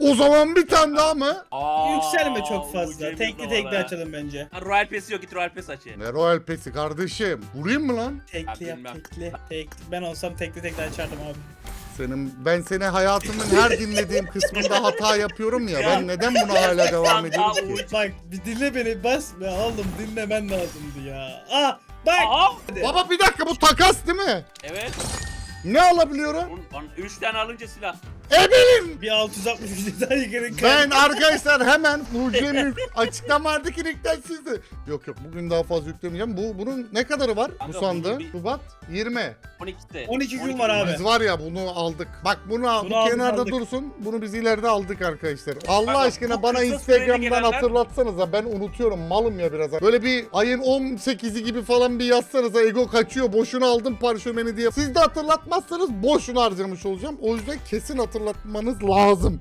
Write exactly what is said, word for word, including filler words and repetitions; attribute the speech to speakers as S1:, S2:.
S1: O zaman bir tane daha mı?
S2: Aa,
S3: Yükselme çok fazla.
S2: mucize
S3: Tekli
S2: bir
S3: tekli
S2: numara.
S3: açalım bence.
S2: Ha, Royal Pass'i yok, git Royal Pass aç.
S1: Ne Royal Pass'i kardeşim? Vurayım mı lan?
S3: Tekli
S2: Ben
S3: yap
S2: bilmem.
S3: tekli. Tekli. Ben olsam tekli tekli açardım abi.
S1: Senin, ben seni hayatımın her dinlediğim kısmında hata yapıyorum ya. Ben neden buna hala devam ediyorum ki?
S3: Bak bir dinle beni bas be oğlum dinlemen lazımdı ya. Ah bak.
S2: Aha.
S1: Baba bir dakika, bu takas değil mi?
S2: Evet.
S1: Ne alabiliyorum?
S2: üç tane alınca silah.
S1: Ebelim!
S3: Bir altı yüz altmış üç detay girin.
S1: Ben arkadaşlar hemen Mucize'nin açıklamadaki linkten sizde. Yok yok, bugün daha fazla yüklemeyeceğim. Bu bunun ne kadarı var?
S2: Kanka,
S1: Bu sandığın?
S2: bunun bir-
S1: Şubat yirmi.
S2: on ikide.
S3: on iki gün var abi.
S1: Biz var ya bunu aldık. Bak bunu, al,
S3: Bunu
S1: bu
S3: aldık,
S1: kenarda
S3: aldık.
S1: dursun. Bunu biz ileride aldık arkadaşlar. Allah
S2: Kanka,
S1: aşkına
S2: bu
S1: bana
S2: kısa
S1: Instagram'dan
S2: süreli gelenler-
S1: hatırlatsanıza. Ben unutuyorum, malım ya biraz. Böyle bir ayın on sekizi gibi falan bir yazsanıza, ego kaçıyor. Boşuna aldım parşömeni diye. Siz de hatırlatmazsanız boşuna harcamış olacağım. O yüzden kesin hatırlatmanız lazım.